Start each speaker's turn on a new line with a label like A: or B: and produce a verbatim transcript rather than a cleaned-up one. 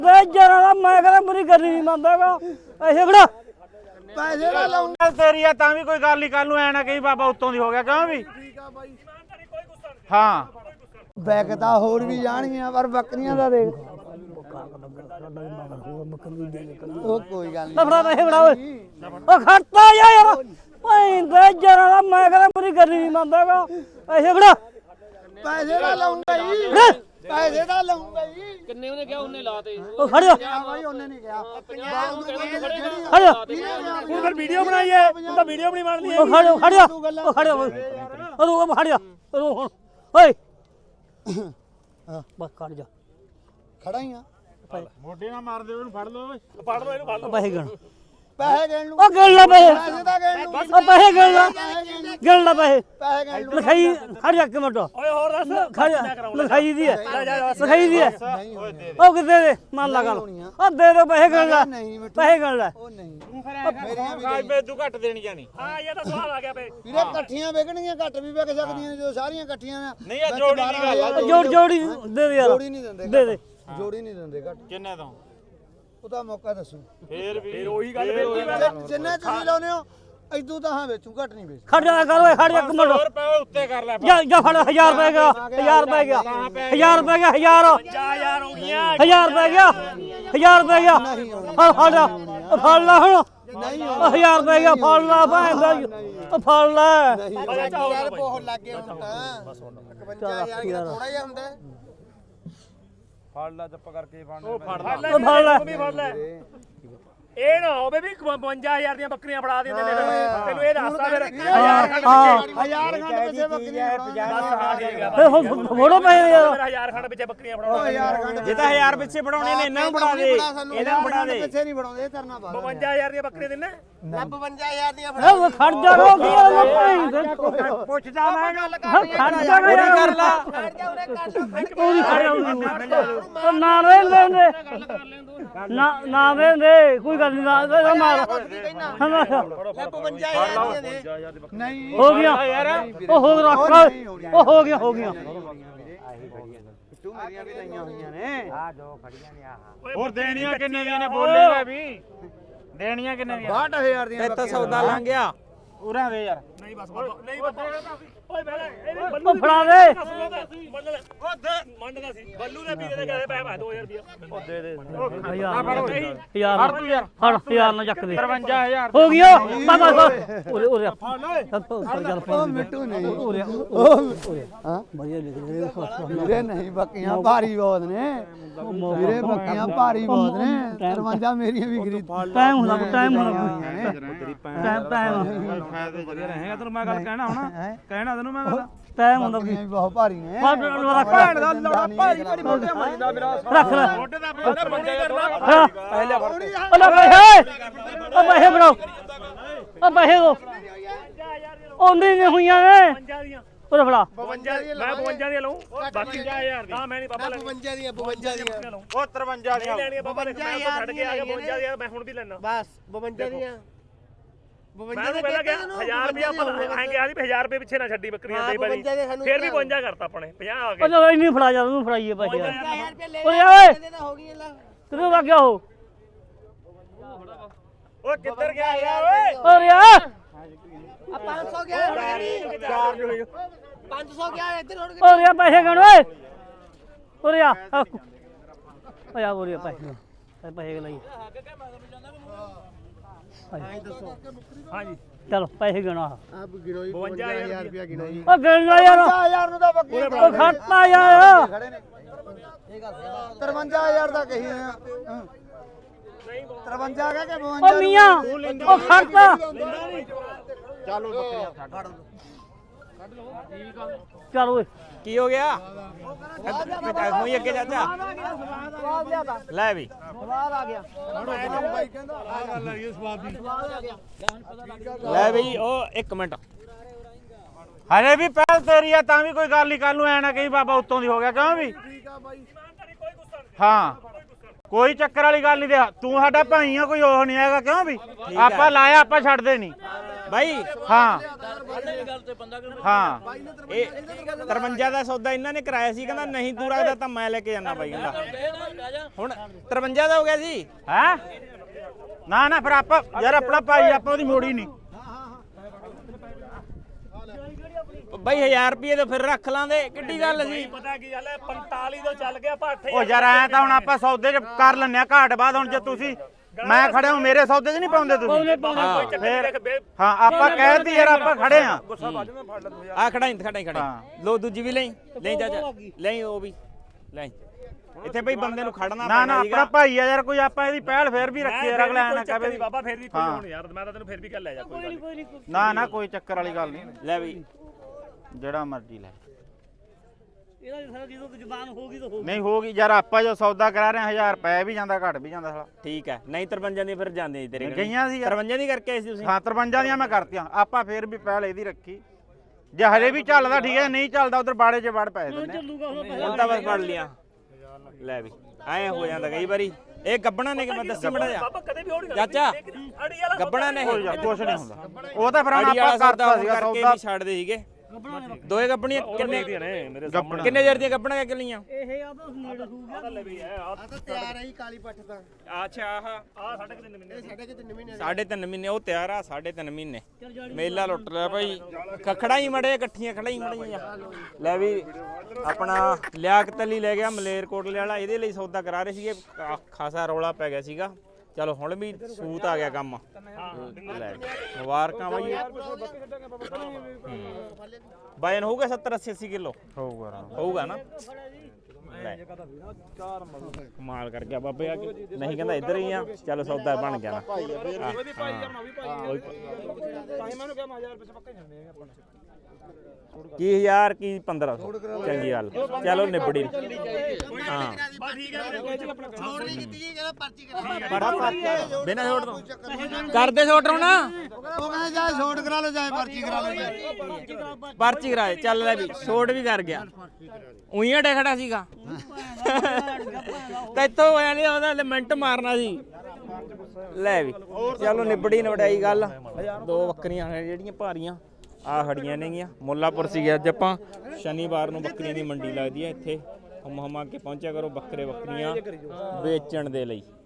A: ਜਰਾ ਮੈਂ ਕਹਿੰਦਾ ਮੇਰੀ ਗੱਲ ਨਹੀਂ ਮੰਨਦਾਗਾ ਪੈਸੇ ਖੜਾ
B: ਪੈਸੇ ਦਾ ਲਾਉਂਗਾ
C: ਤੇਰੀ ਆ ਤਾਂ ਵੀ ਕੋਈ ਗੱਲ ਨਹੀਂ ਕੱਲ ਨੂੰ ਐ ਨਾ ਕਹੀ ਬਾਬਾ ਉੱਤੋਂ ਦੀ ਹੋ ਗਿਆ ਕਿਉਂ ਵੀ
B: ਠੀਕ ਆ ਬਾਈ
C: ਹਾਂ
B: ਬੈਕ ਤਾਂ ਹੋਰ ਵੀ ਜਾਣਗੀਆਂ ਪਰ ਬੱਕਰੀਆਂ ਦਾ ਦੇਖ ਉਹ ਕੋਈ ਗੱਲ ਨਹੀਂ
A: ਲਫੜਾ ਪੈਸੇ ਫੜਾ ਓਏ ਉਹ ਖੜਤਾ ਯਾਰ ਪੈਂਦੇ ਜਰਾ ਮੈਂ ਕਹਿੰਦਾ ਮੇਰੀ ਗੱਲ ਨਹੀਂ ਮੰਨਦਾਗਾ ਪੈਸੇ ਖੜਾ
B: ਪੈਸੇ ਦਾ ਲਾਉਂਗਾ ਜੀ ਪੈਸੇ ਦਾ ਲਾਉਂਗਾ ਜੀ
D: ਕਿੰਨੇ ਉਹਨੇ ਕਿਹਾ ਉਹਨੇ ਲਾਤੇ
A: ਉਹ ਖੜ ਜਾ
B: ਆ ਬਾਈ ਉਹਨੇ ਨਹੀਂ ਕਿਹਾ
A: ਖੜ ਜਾ
C: ਤੂੰ ਫਿਰ ਵੀਡੀਓ ਬਣਾਈਏ ਤੂੰ ਤਾਂ ਵੀਡੀਓ ਬਣੀ ਬਣਦੀ
A: ਉਹ ਖੜ ਜਾ ਖੜ ਜਾ ਉਹ ਖੜ ਜਾ ਉਹ ਖੜ ਜਾ ਉਹ ਹੁਣ ਓਏ ਹਾਂ ਬਸ ਖੜ ਜਾ
B: ਖੜਾ ਹੀ ਆ
C: ਮੋਢੇ ਨਾਲ ਮਾਰ ਦੇ ਉਹਨੂੰ ਫੜ ਲਓ ਓਏ ਫੜ ਲਓ ਇਹਨੂੰ ਫੜ
A: ਪੈਸੇ ਗਣ
B: ਪੈਸੇ ਗਿਣ ਲੂ
A: ਉਹ ਗਿਣ ਲੈ ਪੈਸੇ
B: ਪੈਸੇ ਤਾਂ ਗਿਣ ਲੂ
A: ਉਹ ਪੈਸੇ ਗਿਣ ਲੈ ਗਿਣ ਲੈ ਪੈਸੇ
B: ਪੈਸੇ ਗਿਣ ਲੂ
A: ਲਿਖਾਈ ਖੜ ਜਾ ਇੱਕ ਮਿੰਟ
C: ਓਏ ਹੋਰ ਦੱਸ
A: ਖੜ ਜਾ ਲਿਖਾਈ ਦੀ ਹੈ ਲਿਖਾਈ ਦੀ ਹੈ
B: ਨਹੀਂ
C: ਓਏ ਦੇ
A: ਉਹ ਕਿੱਥੇ ਦੇ ਮੰਨ ਲਾ ਗੱਲ ਉਹ ਦੇ ਦੇ ਪੈਸੇ ਗਿਣ ਲੈ
B: ਨਹੀਂ ਮਿੱਠੂ
A: ਪੈਸੇ ਗਿਣ ਲੈ
B: ਉਹ ਨਹੀਂ
C: ਮੇਰੀਆਂ ਵੀ ਖਾਈ ਤੂੰ ਘੱਟ ਦੇਣੀ ਜਾਣੀ ਹਾਂ ਇਹ ਤਾਂ ਸਵਾਲ ਆ ਗਿਆ ਬੇ
B: ਵੀਰੇ ਇਕੱਠੀਆਂ ਵਿਕਣਗੀਆਂ ਘੱਟ ਵੀ ਵਿਕ ਸਕਦੀਆਂ ਨੇ ਜਦੋਂ ਸਾਰੀਆਂ ਇਕੱਠੀਆਂ ਨੇ
C: ਨਹੀਂ ਆ ਜੋੜੀ ਦੀ ਗੱਲ ਆ
A: ਜੋੜ ਜੋੜੀ ਦੇ ਦੇ ਯਾਰ
B: ਜੋੜੀ ਨਹੀਂ ਦਿੰਦੇ
A: ਦੇ ਦੇ
B: ਜੋੜੀ ਨਹੀਂ ਦਿੰਦੇ ਘੱਟ
C: ਕਿੰਨੇ ਤੋਂ
B: ਉਹਦਾ ਮੌਕਾ ਦੱਸੋ
C: ਫੇਰ ਵੀ ਫੇਰ ਉਹੀ ਗੱਲ ਬੇਤੀ
B: ਜਿੰਨੇ ਤੁਸੀਂ ਲਾਉਨੇ ਹੋ ਇਦੋਂ ਤਾਂ ਹਾਂ ਵੇਚੂ ਘੱਟ ਨਹੀਂ ਵੇਚ
A: ਖੜ ਜਾ ਕਰ ਓਏ ਖੜ ਜਾ ਇੱਕ ਮਿੰਟ
C: ਰੁਪਏ ਉੱਤੇ ਕਰ ਲੈ
A: ਜਾ ਜਾ ਫੜ ਹਜ਼ਾਰ ਰੁਪਏ ਗਿਆ ਹਜ਼ਾਰ ਰੁਪਏ ਗਿਆ ਹਜ਼ਾਰ ਰੁਪਏ ਗਿਆ ਹਜ਼ਾਰ
C: ਜਾ ਯਾਰ ਹੋ ਗਈਆਂ
A: ਹਜ਼ਾਰ ਰੁਪਏ ਗਿਆ ਹਜ਼ਾਰ ਰੁਪਏ ਗਿਆ ਫੜ ਫੜ ਜਾ ਉਹ ਫੜ ਲੈ ਹੁਣ
B: ਨਹੀਂ
A: ਉਹ ਹਜ਼ਾਰ ਰੁਪਏ ਗਿਆ ਫੜ ਲੈ ਭੈਣ ਦਾ ਉਹ ਫੜ ਲੈ
B: ਯਾਰ ਬਹੁਤ ਲੱਗ ਗਏ ਹੁਣ ਤਾਂ ਇਕਵੰਜਾ ਹਜ਼ਾਰ ਥੋੜਾ ਜਿਹਾ ਹੁੰਦਾ ਹੈ।
C: ਫੜ ਲੈ ਚੁੱਪ ਕਰਕੇ ਫੜ
A: ਉਹ ਫੜ ਲੈ
C: ਫੜ ਲੈ ਇਹ ਨਾ ਹੋਵੇ ਵੀ ਬਵੰਜਾ ਹਜ਼ਾਰ ਦੀਆਂ ਬੱਕਰੀਆਂ ਫੜਾ ਦਿੰਦੇ ਨੇ ਤੈਨੂੰ ਇਹ ਦੱਸਦਾ ਫਿਰ
A: ਹਾਂ ਹਾਂ
B: ਹਜ਼ਾਰ ਖੰਡ ਪਿੱਛੇ ਬੱਕਰੀਆਂ
A: ਫੇ ਫੋੜੋ ਪੈਸੇ ਯਾਰ
C: ਹਜ਼ਾਰ ਖੰਡ ਪਿੱਛੇ ਬੱਕਰੀਆਂ ਫੜਾਉਣਾ
B: ਹਜ਼ਾਰ ਖੰਡ
C: ਜੇ ਤਾਂ ਹਜ਼ਾਰ ਪਿੱਛੇ ਫੜਾਉਣੇ ਨੇ ਇਹਨਾਂ ਨੂੰ ਫੜਾ ਦੇ ਇਹਨਾਂ ਨੂੰ ਫੜਾ ਦੇ
B: ਪਿੱਛੇ ਨਹੀਂ ਫੜਾਉਂਦੇ ਇਹ ਕਰਨਾ ਬਾਅਦ
C: ਬਵੰਜਾ ਹਜ਼ਾਰ ਦੀਆਂ ਬੱਕਰੀਆਂ ਦਿੰਨੇ
B: ਬਵੰਜਾ ਹਜ਼ਾਰ ਦੀਆਂ
A: ਇਹ ਖੜ ਜਾ ਰੋ ਕੀ ਆ ਭੈਣ
C: ਪੁੱਛਦਾ ਮੈਂ ਗੱਲ
A: ਖੜ ਜਾ
C: ਪੂਰੀ ਕਰ ਲਾ
A: ਪੂਰੀ ਖੜ ਜਾ ਨਾ ਵੇਂਦੇ ਨਾ ਨਾ ਵੇਂਦੇ ਕੋਈ ਗੱਲ ਨਹੀਂ ਨਾ ਮਾਰ
B: ਬਵੰਜਾ ਹਜ਼ਾਰ ਦੀਆਂ ਦੇ ਨਹੀਂ
A: ਹੋ ਗਿਆ ਉਹ ਹੋ ਰੱਖ ਉਹ ਹੋ ਗਿਆ ਹੋ ਗਿਆ
B: ਤੂੰ ਮੇਰੀਆਂ ਵੀ ਲਈਆਂ ਹੋਈਆਂ ਨੇ
C: ਆ ਦੋ ਖੜੀਆਂ ਨੇ ਆਹ ਹੋਰ ਦੇਣੀਆਂ ਕਿੰਨੇ ਦੀਆਂ ਨੇ ਬੋਲੇਗਾ ਵੀ ਦੇਣੀਆਂ ਕਿੰਨੇ ਦੀਆਂ
B: ਬਾਹਠ ਹਜ਼ਾਰ ਦੀਆਂ
C: ਤੇ ਤਾਂ ਸੌਦਾ ਲੰਘ ਗਿਆ ਉਰਾਂ ਦੇ ਯਾਰ ਨਹੀਂ ਬਸ ਨਹੀਂ ਬਸ ਓਏ ਬੈਲੇ
A: ਉਹ ਫੜਾ ਦੇ
C: ਮੰਨਦਾ ਸੀ ਬੱਲੂ ਦੇ ਵੀਰੇ ਦੇ ਕਹੇ ਪੈ ਦੋ ਹਜ਼ਾਰ ਰੁਪਿਆ ਉਹ ਦੇ ਦੇ
A: ਹਜ਼ਾਰ ਹਜ਼ਾਰ ਫੜ ਹਜ਼ਾਰ ਨਾ ਚੱਕ ਦੇ
C: ਤਰਵੰਜਾ ਹਜ਼ਾਰ
A: ਹੋ ਗਿਆ ਬਾਬਾ ਉਰੇ ਉਰੇ
B: ਉਹ ਮਿੱਟੂ ਨਹੀਂ ਉਹ ਹਾਂ
A: ਵਧੀਆ ਲਿਖ ਰਹੇ
B: ਵੀਰੇ ਨਹੀਂ ਬੱਕੀਆਂ ਭਾਰੀ ਬਹੁਤ ਨੇ ਵੀਰੇ ਬੱਕੀਆਂ ਭਾਰੀ ਬਹੁਤ ਨੇ ਤਰਵੰਜਾ ਮੇਰੀਆਂ ਵੀ ਖਰੀਦ
A: ਟਾਈਮ ਹੁੰਦਾ ਟਾਈਮ ਹੁੰਦਾ ਟਾਈਮ ਟਾਈਮ
C: ਵਧੀਆ ਰਹੇਗਾ ਤੈਨੂੰ ਮੈਂ ਗੱਲ ਕਹਿਣਾ ਹੁਣ ਕਹਿਣਾ ਤੈਨੂੰ ਮੈਂ ਗੱਲ
A: ਟਾਈਮ ਹੁੰਦਾ
B: ਬੱਕੀਆਂ ਵੀ ਬਹੁਤ ਭਾਰੀ ਨੇ
A: ਰੱਖ
B: ਭੈਣ ਦਾ ਲੋੜਾ ਭਾਰੀ ਭਾਰੀ ਮੋਟੇ ਮਰੀਦਾ ਮੇਰਾ
A: ਰੱਖ ਲੈ
C: ਮੋਢੇ ਦਾ ਬੰਦਾ ਬੰਦੇ ਕਰਨਾ
A: ਹਾਂ
C: ਪਹਿਲੇ ਫੜ
A: ਉਹ ਲੈ ਪੈਸੇ ਉਹ ਪੈਸੇ ਬਣਾਓ ਉਹ ਪੈਸੇ ਦੋ ਉਹ ਨਹੀਂ ਹੋਈਆਂ ਨੇ ਉਹ ਫੜਾ
C: ਬਵੰਜਾ ਦੀਆਂ ਮੈਂ ਬਵੰਜਾ ਦੀਆਂ ਲਊਂ ਬਾਕੀ ਪੰਜਾਹ ਹਜ਼ਾਰ ਦੀ ਨਾ ਮੈਂ ਨਹੀਂ ਬਾਬਾ ਲੈ
B: ਬਵੰਜਾ ਦੀਆਂ ਬਵੰਜਾ ਦੀਆਂ
C: ਉਹ ਤਰਵੰਜਾ ਦੀਆਂ ਲੈਣੀਆਂ ਬਾਬਾ ਨੇ ਮੈਂ ਤਾਂ ਛੱਡ ਕੇ ਆ ਗਿਆ ਬਵੰਜਾ ਦੀਆਂ ਮੈਂ ਹੁਣ ਵੀ ਲੈਣਾ
B: ਬਸ ਬਵੰਜਾ ਦੀਆਂ
C: ਮੈਂ ਨੂੰ ਪਹਿਲਾਂ ਗਿਆ ਹਜ਼ਾਰ ਰੁਪਿਆ ਐਂ ਗਿਆ ਸੀ ਵੀ ਹਜ਼ਾਰ ਰੁਪਏ ਪਿੱਛੇ ਨਾ ਛੱਡੀ ਬੱਕਰੀਆਂ ਦੇ ਬੜੀ ਫਿਰ ਵੀ ਬਵੰਜਾ ਕਰਤਾ ਆਪਣੇ ਪੰਜਾਹ ਆ ਗਏ
A: ਉਹ ਚਲੋ ਇੰਨੀ ਫੜਾ ਜਾ ਤੂੰ ਫੜਾਈਏ ਪੈਸੇ ਯਾਰ
B: ਹਜ਼ਾਰ ਰੁਪਏ
A: ਓਏ ਓਏ
B: ਹੋ ਗਈ ਲੈ
A: ਕਿਦੋਂ ਲੱਗ ਗਿਆ ਉਹ
C: ਓਏ ਕਿੱਧਰ ਗਿਆ ਯਾਰ ਓਏ
A: ਓਏ ਯਾਰ
B: ਆ ਪੰਜ ਸੌ ਗਿਆ
C: ਚਾਰ ਜੋ ਹੋਈ
B: ਪੰਜ ਸੌ ਗਿਆ ਇੱਧਰ ਹੁਣ
A: ਓਏ ਯਾਰ ਪੈਸੇ ਗਣ ਓਏ ਓਏ ਆ ਓਏ ਆ ਓਏ ਪੈਸੇ ਪੈਸੇ ਲਈ
C: ਹਾਂਜੀ
A: ਚਲੋ ਪੈਸੇ ਗਿਣਾ
B: ਆ ਗਿਣੋਈ ਬਵੰਜਾ ਹਜ਼ਾਰ ਰੁਪਏ ਗਿਣੋਈ
A: ਉਹ ਗਿਣ ਲੈ ਯਾਰ
B: ਹਜ਼ਾਰ ਨੂੰ ਤਾਂ ਬੱਕਰੀ
A: ਉਹ ਖੜਤਾ ਯਾਰ
B: ਖੜੇ ਨੇ ਤਰਵੰਜਾ ਹਜ਼ਾਰ ਦਾ ਕਹੀ ਆ ਤਰਵੰਜਾ ਕਹ ਕੇ ਬਵੰਜਾ
A: ਉਹ ਮੀਆਂ ਉਹ ਖੜਤਾ
B: ਚਲੋ ਬੱਕਰੀਆਂ ਛੱਡ
A: ਚੱਲ ਓਏ
C: ਕੀ ਹੋ ਗਿਆ ਹੋਈ ਅੱਗੇ ਚਾਚਾ ਲੈ ਵੀ
B: ਸਵਾਦ ਆ ਗਿਆ ਬਾਈ ਕਹਿੰਦਾ
C: ਆ ਗੱਲ ਆ ਇਹ ਸਵਾਦ ਦੀ
B: ਸਵਾਦ ਆ ਗਿਆ
C: ਲੈ ਵੀ ਉਹ ਇੱਕ ਮਿੰਟ ਹਰੇ ਵੀ ਪਹਿਲ ਤੇਰੀ ਆ ਤਾਂ ਵੀ ਕੋਈ ਗੱਲ ਨਹੀਂ ਕੱਲ ਨੂੰ ਐ ਨਾ ਕਹੀ ਬਾਬਾ ਉੱਤੋਂ ਦੀ ਹੋ ਗਿਆ ਕਿਉਂ ਵੀ
B: ਠੀਕ ਆ ਬਾਈ
C: ਹਾਂ
D: ਕੋਈ ਚੱਕਰ ਵਾਲੀ ਗੱਲ ਨਹੀਂ ਦੇ ਤੂੰ ਸਾਡਾ ਭਾਈ ਆ ਕੋਈ ਉਹ ਨਹੀਂ ਹੈਗਾ ਕਿਉਂ ਵੀ ਆਪਾਂ ਲਾਇਆ ਆਪਾਂ ਛੱਡਦੇ ਨਹੀਂ
E: ਬਾਈ
D: ਹਾਂ ਹਾਂ
E: ਇਹ ਤਰਵੰਜਾ ਦਾ ਸੌਦਾ ਇਹਨਾਂ ਨੇ ਕਰਾਇਆ ਸੀ ਕਹਿੰਦਾ ਨਹੀਂ ਤੂੰ ਰੱਖਦਾ ਤਾਂ ਮੈਂ ਲੈ ਕੇ ਜਾਣਾ ਬਾਈ ਕਹਿੰਦਾ ਹੁਣ ਤਰਵੰਜਾ ਦਾ ਹੋ ਗਿਆ ਸੀ
D: ਹੈ ਨਾ ਨਾ ਫਿਰ ਆਪਾਂ ਯਾਰ ਆਪਣਾ ਭਾਈ ਆਪਾਂ ਉਹਦੀ ਮੋੜੀ ਨਹੀਂ
E: ਬਾਈ ਹਜ਼ਾਰ ਰੁਪਏ ਤੋਂ ਫਿਰ ਰੱਖ ਲਾਂਦੇ ਕਿੱਡੀ ਗੱਲ ਸੀ
C: ਪਤਾ ਕੀ ਗੱਲ ਹੈ ਪੰਤਾਲੀ ਤੋਂ ਚੱਲ ਗਿਆ ਆਪਾਂ ਅੱਠ
D: ਉਹ ਯਾਰ ਐ ਤਾਂ ਹੁਣ ਆਪਾਂ ਸੌਦੇ ਚ ਕਰ ਲੈਂਦੇ ਆ ਘਾਟ ਬਾਅਦ ਹੁਣ ਜੇ ਤੁਸੀਂ ਮੈਂ ਖੜੇ ਹਾਂ ਮੇਰੇ ਸੌਦੇ 'ਚ ਨਹੀਂ ਪਾਉਂਦੇ ਤੁਸੀਂ ਹਾਂ ਆਪਾਂ ਕਹਿਤੀ ਯਾਰ ਆਪਾਂ ਖੜੇ ਆ
E: ਆ ਖੜਾਈ ਖੜਾਈ ਖੜਾਈ ਲੋ ਦੂਜੀ ਵੀ ਲਈ ਲੈ ਜਾ ਜਾ ਲੈ ਉਹ ਵੀ ਲੈ ਇੱਥੇ ਬਈ ਬੰਦੇ ਨੂੰ ਖੜਨਾ
D: ਨਾ ਨਾ ਆਪਣਾ ਭਾਈ ਆ ਯਾਰ ਕੋਈ ਆਪਾਂ ਇਹਦੀ ਪਹਿਲ ਫੇਰ ਵੀ ਰੱਖੀ ਯਾਰ ਅਗਲਾ ਨਾ ਕਹੇ
C: ਬਾਬਾ ਫੇਰ ਵੀ ਕੋਈ ਹੁਣ ਯਾਰ ਮੈਂ ਤਾਂ ਤੈਨੂੰ ਫੇਰ ਵੀ ਕਹਿ ਲੈ ਜਾ ਕੋਈ ਗੱਲ ਨਹੀਂ
D: ਨਾ ਨਾ ਕੋਈ ਚੱਕਰ ਵਾਲੀ ਗੱਲ ਨਹੀਂ
E: ਲੈ ਵੀ
D: ਜਿਹੜਾ ਮਰਜ਼ੀ ਲੈ
A: ਇਹਦਾ ਸਾਰਾ ਜਦੋਂ ਜ਼ਬਾਨ ਹੋ ਗਈ ਤਾਂ ਹੋ
D: ਨਹੀਂ ਹੋਗੀ ਯਾਰ ਆਪਾਂ ਜੋ ਸੌਦਾ ਕਰਾ ਰਹੇ ਹਜ਼ਾਰ ਪੈ ਵੀ ਜਾਂਦਾ ਘਟ ਵੀ ਜਾਂਦਾ ਸਾਲਾ
E: ਠੀਕ ਹੈ ਨਹੀਂ ਤਰਵੰਜਾਂ ਦੀ ਫਿਰ ਜਾਂਦੇ ਤੇਰੇ
D: ਗਈਆਂ ਸੀ
E: ਤਰਵੰਜਾਂ ਦੀ ਕਰਕੇ ਆਏ ਸੀ ਤੁਸੀਂ
D: ਹਾਂ ਤਰਵੰਜਾਂ ਦੀਆਂ ਮੈਂ ਕਰਤੀਆਂ ਆਪਾਂ ਫੇਰ ਵੀ ਪਹਿਲ ਇਹਦੀ ਰੱਖੀ ਜੇ ਹਲੇ ਵੀ ਚੱਲਦਾ ਠੀਕ ਹੈ ਨਹੀਂ ਚੱਲਦਾ ਉਧਰ ਬਾੜੇ 'ਚ ਵੜ ਪੈ ਦਿੰਦੇ
A: ਚੱਲੂਗਾ ਹੁਣ
E: ਹੁਣ ਤਾਂ ਬਸ ਫੜ ਲਿਆ ਲੈ ਵੀ ਐ ਹੋ ਜਾਂਦਾ ਕਈ ਵਾਰੀ ਇਹ ਗੱਬਣਾ ਨੇ ਕਿ ਮੈਂ ਦੱਸੀ ਮੜਾ ਜਾ
C: ਬਾਬਾ ਕਦੇ ਵੀ ਹੋਣੀ
E: ਚਾਚਾ
C: ਅੜੀ ਵਾਲਾ
E: ਗੱਬਣਾ ਨੇ
D: ਕੁਝ ਨਹੀਂ ਹੁੰਦਾ ਉਹ ਤਾਂ ਫਿਰ ਹੁਣ
E: ਅੜੀ
D: ਆਪਾਂ
E: ਵਾਲਾ
D: ਕਰਤਾ ਸੀਗਾ
E: ਕਰਕੇ
D: ਸੌਦਾ
E: ਵੀ ਛੱਡਦੇ ਸੀਗੇ ਦੋਏ ਗੱਬਣੀਆਂ ਕਿੰਨੇ
C: ਨੇ ਮੇਰੇ
D: ਗੱਬਣਾ
E: ਕਿੰਨੇ ਜਰ ਦੀਆਂ ਗੱਬਣਾਂ ਕਿੰਨੀਆਂ
A: ਇਹ ਆ ਤਾਂ ਨੇੜੇ ਹੋ ਗਿਆ
C: ਲੈ ਵੀ ਹੈ ਆ
B: ਤਾਂ ਤਿਆਰ ਹੈ ਕਾਲੀ ਪੱਠ ਤਾਂ
E: ਅੱਛਾ ਆਹ
C: ਆ ਸਾਢੇ ਕੁ ਤਿੰਨ ਮਹੀਨੇ
B: ਸਾਡੇ ਕਿ ਤਿੰਨ ਮਹੀਨੇ
E: ਸਾਢੇ ਤਿੰਨ ਮਹੀਨੇ ਉਹ ਤਿਆਰ ਆ ਸਾਢੇ ਤਿੰਨ ਮਹੀਨੇ ਮੇਲਾ ਲੁੱਟ ਲਿਆ ਭਾਈ ਖਖੜਾ ਹੀ ਮੜੇ ਇਕੱਠੀਆਂ ਖੜਾ ਹੀ ਮੜੀਆਂ ਲੈ ਵੀ ਆਪਣਾ ਲਿਆਕਤ ਅਲੀ ਲੈ ਗਿਆ ਮਲੇਰਕੋਟਲੇ ਵਾਲਾ ਇਹਦੇ ਲਈ ਸੌਦਾ ਕਰਾ ਰਹੇ ਸੀਗੇ ਕਾ- ਖਾਸਾ ਰੌਲਾ ਪੈ ਗਿਆ ਸੀਗਾ ਚਲੋ ਹੁਣ ਵੀ ਸੂਤ ਆ ਗਿਆ ਕੰਮ ਲੈ ਮੁਬਾਰਕਾਂ ਬਾਈ ਵਜਨ ਹੋਊਗਾ ਸੱਤਰ ਅੱਸੀ ਅੱਸੀ ਕਿਲੋ
D: ਹੋਊਗਾ
E: ਹੋਊਗਾ ਨਾ ਲੈ ਕਮਾਲ ਕਰ ਗਿਆ ਬਾਬੇ ਆ ਕੇ ਨਹੀਂ ਕਹਿੰਦਾ ਇੱਧਰ ਹੀ ਆ ਚਲੋ ਸੌਦਾ ਬਣ ਗਿਆ ਨਾ ਕੀ ਹਜ਼ਾਰ ਕੀ ਪੰਦਰਾਂ ਸੌ ਚੰਗੀ ਗੱਲ ਚਲੋ ਨਿਬੜੀ ਹਾਂ
B: ਛੋੜ ਨਹੀਂ ਕੀਤੀ ਜੀ ਕਹਿੰਦਾ ਪਰਚੀ ਕਰਾ
E: ਬਿਨਾਂ ਛੋਟ ਤੋਂ ਕਰਦੇ ਛੋਟ ਰੋਣਾ
B: ਉਹ ਕਹਿੰਦਾ ਜਾਏ ਛੋੜ ਕਰਾ ਲਓ ਜਾਏ ਪਰਚੀ ਕਰਾ ਲਓ ਜਾਏ
E: ਪਰਚੀ ਕਰਾਏ ਚੱਲ ਲੈ ਵੀ ਛੋਟ ਵੀ ਕਰ ਗਿਆ ਉਈਆਂ ਡੇ ਖੜਾ ਸੀਗਾ ਤੈਥੋਂ ਹੋਇਆ ਨਹੀਂ ਉਹਦਾ ਮਿੰਟ ਮਾਰਨਾ ਸੀ ਲੈ ਵੀ ਚਲੋ ਨਿਬੜੀ ਨਵੜਾਈ ਗੱਲ ਦੋ ਬੱਕਰੀਆਂ ਨੇ ਜਿਹੜੀਆਂ ਭਾਰੀਆਂ ਆ ਖੜੀਆਂ ਨੇਗੀਆਂ ਮੁੱਲਾਪੁਰ ਸੀ ਅੱਜ ਆਪਾਂ ਸ਼ਨੀਵਾਰ ਨੂੰ ਬੱਕਰੀਆਂ ਦੀ ਮੰਡੀ ਲੱਗਦੀ ਹੈ ਇੱਥੇ ਹਮ ਹਮਾ ਕੇ ਪਹੁੰਚਿਆ ਕਰੋ ਬੱਕਰੇ ਬੱਕਰੀਆਂ ਵੇਚਣ ਦੇ ਲਈ।